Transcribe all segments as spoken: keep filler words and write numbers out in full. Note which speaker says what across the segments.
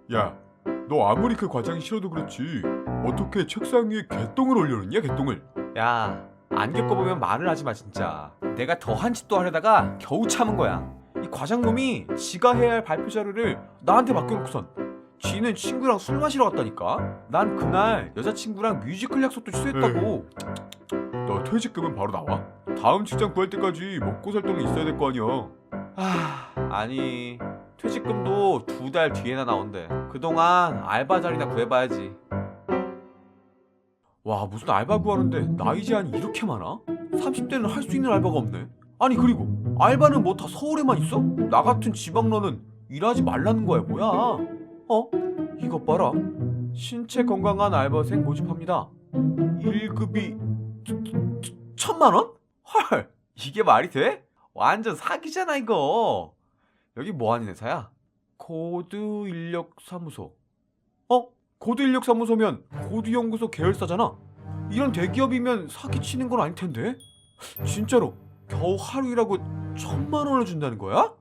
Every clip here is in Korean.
Speaker 1: 야, 너 아무리 그 과장이 싫어도 그렇지 어떻게 책상 위에 개똥을 올려놓냐, 개똥을.
Speaker 2: 야, 안 겪어보면 말을 하지 마 진짜. 내가 더한 짓도 하려다가 겨우 참은 거야. 이 과장놈이 지가 해야 할 발표 자료를 나한테 맡겨놓고선 지는 친구랑 술 마시러 갔다니까. 난 그날 여자친구랑 뮤지컬 약속도 취소했다고.
Speaker 1: 너 퇴직금은 바로 나와? 다음 직장 구할 때까지 먹고 살 돈은 있어야 될 거 아니야.
Speaker 2: 아, 아니 퇴직금도 두 달 뒤에나 나온대. 그동안 알바 자리나 구해봐야지. 와, 무슨 알바 구하는데 나이 제한이 이렇게 많아? 삼십 대는 할 수 있는 알바가 없네. 아니 그리고 알바는 뭐 다 서울에만 있어? 나 같은 지방러는 일하지 말라는 거야 뭐야? 어? 이것 봐라. 신체 건강한 알바생 모집합니다. 일 급이 천만 원? 헐, 이게 말이 돼? 완전 사기잖아 이거. 여기 뭐하는 회사야? 고드인력사무소. 어? 고드인력사무소면 고드연구소 계열사잖아. 이런 대기업이면 사기치는 건 아닐 텐데. 진짜로 겨우 하루 일하고 천만 원을 준다는 거야?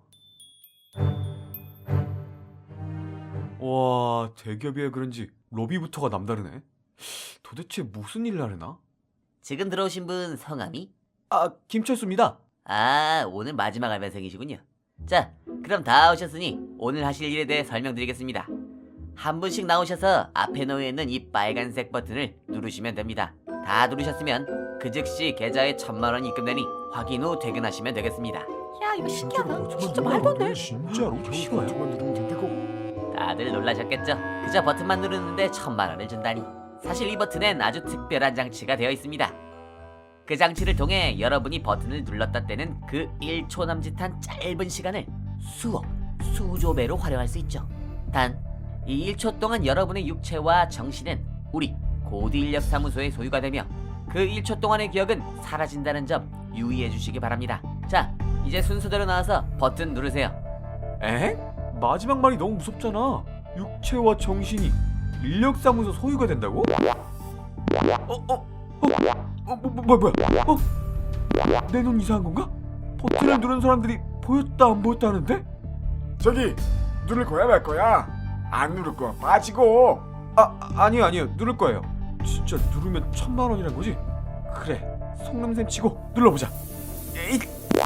Speaker 2: 와, 대기업이라 그런지 로비부터가 남다르네. 도대체 무슨 일을 하려나?
Speaker 3: 지금 들어오신 분 성함이?
Speaker 2: 아, 김철수입니다.
Speaker 3: 아, 오늘 마지막 알바생이시군요. 자, 그럼 다 오셨으니 오늘 하실 일에 대해 설명드리겠습니다. 한 분씩 나오셔서 앞에 놓여 있는 이 빨간색 버튼을 누르시면 됩니다. 다 누르셨으면 그 즉시 계좌에 천만 원이 입금되니 확인 후 퇴근하시면 되겠습니다.
Speaker 4: 야, 이거 신기하다. 진짜 말도 안 돼.
Speaker 1: 진짜로?
Speaker 2: 쉬워요?
Speaker 1: 누르면 된다고.
Speaker 3: 다들 놀라셨겠죠? 그저 버튼만 누르는데 천만 원을 준다니. 사실 이 버튼엔 아주 특별한 장치가 되어 있습니다. 그 장치를 통해 여러분이 버튼을 눌렀다 때는 그 일 초 남짓한 짧은 시간을 수억, 수조 배로 활용할 수 있죠. 단, 이 일 초 동안 여러분의 육체와 정신은 우리 고드인력사무소의 소유가 되며 그 일 초 동안의 기억은 사라진다는 점 유의해 주시기 바랍니다. 자, 이제 순서대로 나와서 버튼 누르세요.
Speaker 2: 에? 마지막 말이 너무 무섭잖아. 육체와 정신이 인력사무소 소유가 된다고? 어? 어? 어? 어? 뭐, 뭐, 뭐야? 어? 내 눈 이상한 건가? 버튼을 누른 사람들이 보였다 안 보였다 하는데?
Speaker 1: 저기, 누를 거야 말 거야? 안 누를 거야 빠지고.
Speaker 2: 아, 아니요 아니요 누를 거예요. 진짜 누르면 천만 원이란 거지? 그래, 속냄새 치고 눌러보자. 에잇!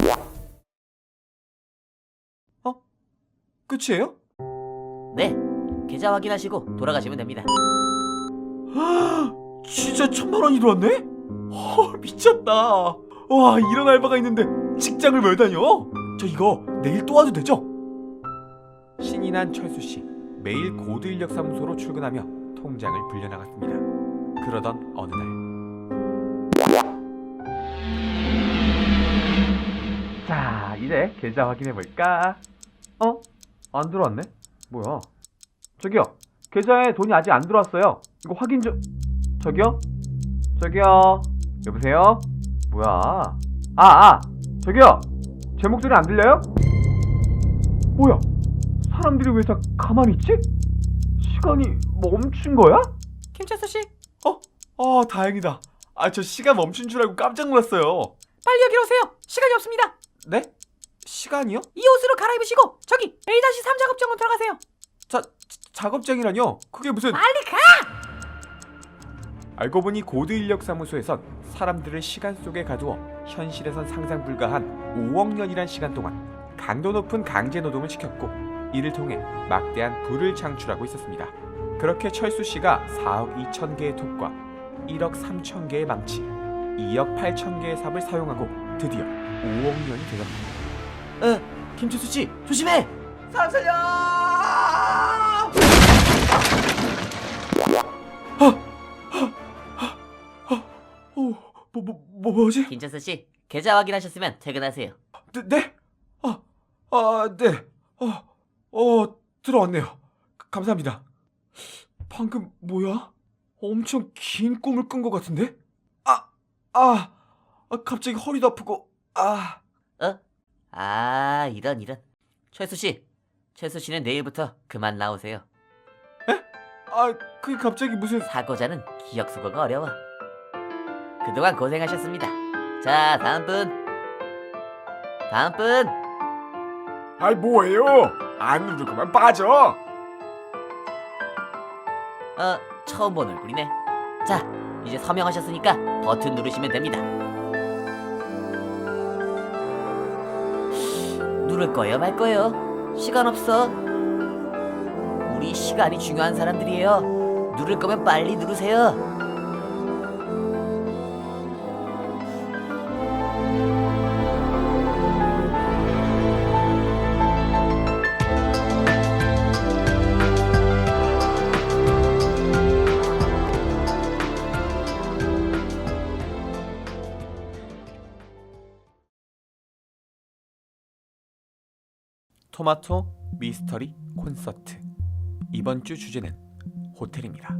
Speaker 2: 어? 끝이에요?
Speaker 3: 네, 계좌 확인하시고 돌아가시면 됩니다.
Speaker 2: 진짜 천만 원이 들어왔네? 헐, 미쳤다. 와, 이런 알바가 있는데 직장을 왜 다녀? 저 이거 내일 또 와도 되죠? 신이 난 철수 씨, 매일 고드인력사무소로 출근하며 통장을 불려나갔습니다. 그러던 어느 날, 자, 이제 계좌 확인해 볼까? 어? 안 들어왔네? 뭐야? 저기요, 계좌에 돈이 아직 안 들어왔어요. 이거 확인 좀. 저기요? 저기요? 여보세요? 뭐야? 아, 아! 저기요! 제 목소리 안 들려요? 뭐야? 사람들이 왜 다 가만히 있지? 시간이 멈춘 거야?
Speaker 4: 김철수 씨,
Speaker 2: 어? 아, 다행이다. 아, 저 시간 멈춘 줄 알고 깜짝 놀랐어요.
Speaker 4: 빨리 여기로 오세요. 시간이 없습니다.
Speaker 2: 네? 시간이요?
Speaker 4: 이 옷으로 갈아입으시고 저기 에이 삼 작업장으로 들어가세요.
Speaker 2: 자, 작업장이라뇨? 그게 무슨...
Speaker 4: 빨리 가!
Speaker 2: 알고 보니 고드인력사무소에선 사람들을 시간 속에 가두어 현실에선 상상 불가한 오억 년이란 시간 동안 강도 높은 강제 노동을 시켰고, 이를 통해 막대한 부를 창출하고 있었습니다. 그렇게 철수 씨가 사억 이천 개의 톱과 일억 삼천 개의 망치, 이억 팔천 개의 삽을 사용하고 드디어 오억 년이 되었습니다.
Speaker 3: 어, 김철수 씨, 조심해!
Speaker 2: 사람 살려! 어, 뭐, 뭐, 뭐, 뭐지?
Speaker 3: 김철수 씨, 계좌 확인하셨으면 퇴근하세요.
Speaker 2: 네? 네? 아, 아, 네. 어, 어, 들어왔네요. 감사합니다. 방금 뭐야? 엄청 긴 꿈을 꾼 것 같은데? 아, 아, 아, 갑자기 허리도 아프고, 아.
Speaker 3: 어? 아, 이런 이런. 철수 씨, 철수 씨는 내일부터 그만 나오세요.
Speaker 2: 아, 그게 갑자기 무슨...
Speaker 3: 사고자는 기억 수거가 어려워. 그동안 고생하셨습니다. 자, 다음 분. 다음 분.
Speaker 1: 아이 뭐예요? 안 누를 거면 빠져.
Speaker 3: 어, 처음 본 얼굴이네. 자, 이제 서명하셨으니까 버튼 누르시면 됩니다. 누를 거예요, 말 거예요? 시간 없어. 우리 시간이 중요한 사람들이에요. 누를 거면 빨리 누르세요.
Speaker 2: 토마토 미스터리 콘서트. 이번 주 주제는 호텔입니다.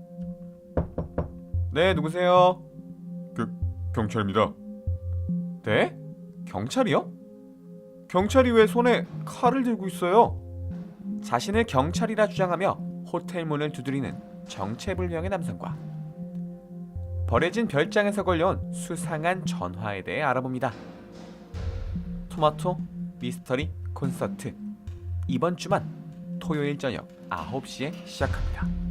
Speaker 2: 네, 누구세요?
Speaker 1: 경찰입니다.
Speaker 2: 네? 경찰이요? 경찰이 왜 손에 칼을 들고 있어요? 자신을 경찰이라 주장하며 호텔 문을 두드리는 정체불명의 남성과 버려진 별장에서 걸려온 수상한 전화에 대해 알아봅니다. 토마토 미스터리 콘서트. 이번 주만 토요일 저녁 아홉 시에 시작합니다.